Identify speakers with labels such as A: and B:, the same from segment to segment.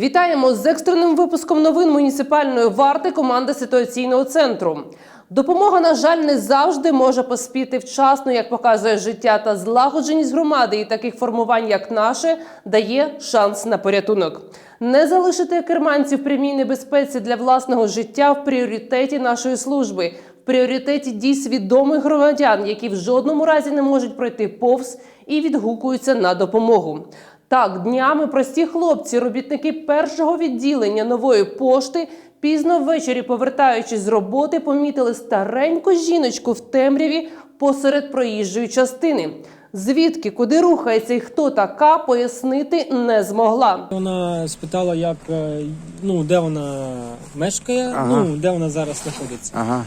A: Вітаємо з екстреним випуском новин муніципальної варти команди ситуаційного центру. Допомога, на жаль, не завжди може поспіти вчасно, як показує життя, та злагодженість громади і таких формувань, як наше, дає шанс на порятунок. Не залишити керманців в прямій небезпеці для власного життя в пріоритеті нашої служби, в пріоритеті дій свідомих громадян, які в жодному разі не можуть пройти повз і відгукуються на допомогу. Так, днями прості хлопці, робітники першого відділення Нової пошти, пізно ввечері, повертаючись з роботи, помітили стареньку жіночку в темряві посеред проїжджої частини. Звідки, куди рухається і хто така, пояснити не змогла.
B: Вона спитала, де вона мешкає, де вона зараз знаходиться.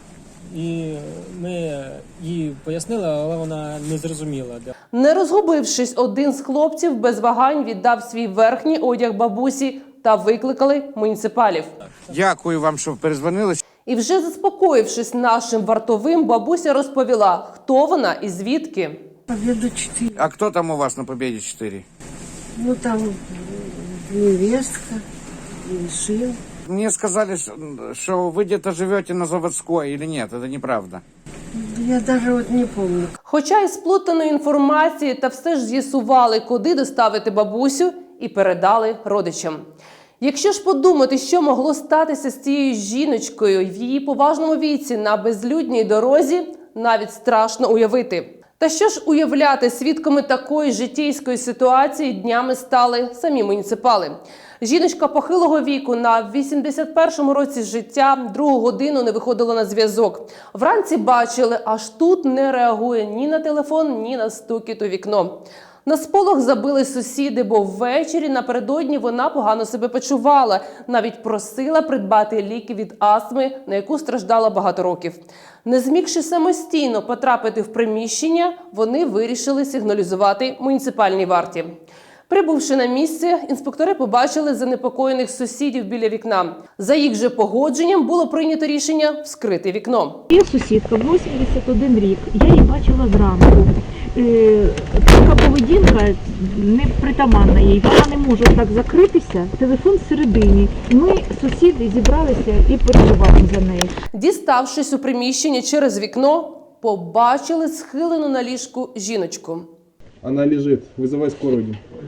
B: І ми їй пояснили, але вона не зрозуміла.
A: Не розгубившись, один з хлопців без вагань віддав свій верхній одяг бабусі та викликали муніципалів.
C: Дякую вам, що перезвонили.
A: І вже заспокоївшись нашим вартовим, бабуся розповіла, хто вона і звідки.
D: Победа 4.
C: А кто там у вас на Победе 4?
D: Ну там невестка, сын.
C: Мне сказали, что вы где-то живете на Заводской или нет, это неправда.
D: Я даже вот не помню.
A: Хоча із сплутаної інформації, та все ж з'ясували, куди доставити бабусю і передали родичам. Якщо ж подумати, що могло статися з цією жіночкою в її поважному віці на безлюдній дорозі, навіть страшно уявити. Та що ж уявляти, свідками такої життєйської ситуації днями стали самі муніципали. Жіночка похилого віку на 81-му році життя другу годину не виходила на зв'язок. Вранці бачили, аж тут не реагує ні на телефон, ні на стукіт у вікно. На сполох забили сусіди, бо ввечері напередодні вона погано себе почувала. Навіть просила придбати ліки від астми, на яку страждала багато років. Не змігши самостійно потрапити в приміщення, вони вирішили сигналізувати муніципальній варті. Прибувши на місце, інспектори побачили занепокоєних сусідів біля вікна. За їх же погодженням було прийнято рішення вскрити вікно.
E: Є сусідка, 81 рік, я її бачила зранку. Така поведінка не притаманна їй, вона не може так закритися, телефон всередині. Ми, сусіди, зібралися і переживаємо за неї.
A: Діставшись у приміщення через вікно, побачили схилену на ліжку жіночку.
F: Вона лежить, визивай скорую.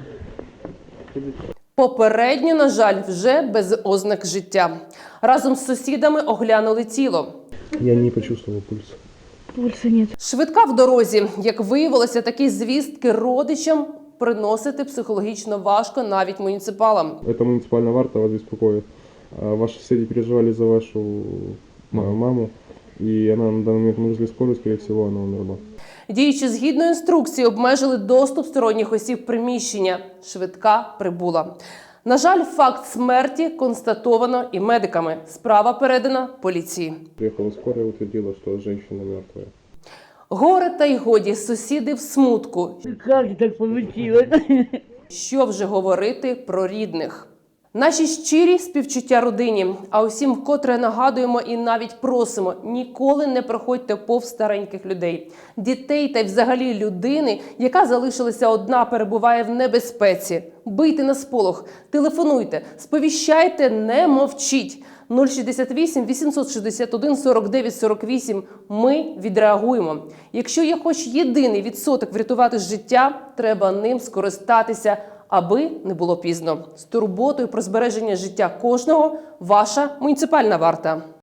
A: Попередньо, на жаль, вже без ознак життя. Разом з сусідами оглянули тіло.
F: Я не почувствовал пульс.
E: Пульса нет.
A: Швидка в дорозі. Як виявилося, такі звістки родичам приносити психологічно важко навіть муніципалам.
F: Это муниципальная варта вас беспокоит. Ваши соседи переживали за вашу маму, и она на данный момент вызвали скорую, скорее всего, она умерла.
A: Діючи згідно інструкції, обмежили доступ сторонніх осіб в приміщення. Швидка прибула. На жаль, факт смерті констатовано і медиками. Справа передана поліції.
F: Приехала скорая, утвердила, что женщина мертвая.
A: Горе та й годі, сусіди в смутку.
E: Як так получилось?
A: Що вже говорити про рідних? Наші щирі співчуття родині, а усім вкотре нагадуємо і навіть просимо, ніколи не проходьте повз стареньких людей. Дітей та й взагалі людини, яка залишилася одна, перебуває в небезпеці. Бийте на сполох, телефонуйте, сповіщайте, не мовчіть. 068 861 49 48. Ми відреагуємо. Якщо є хоч єдиний відсоток врятувати життя, треба ним скористатися, аби не було пізно. З турботою про збереження життя кожного – ваша муніципальна варта.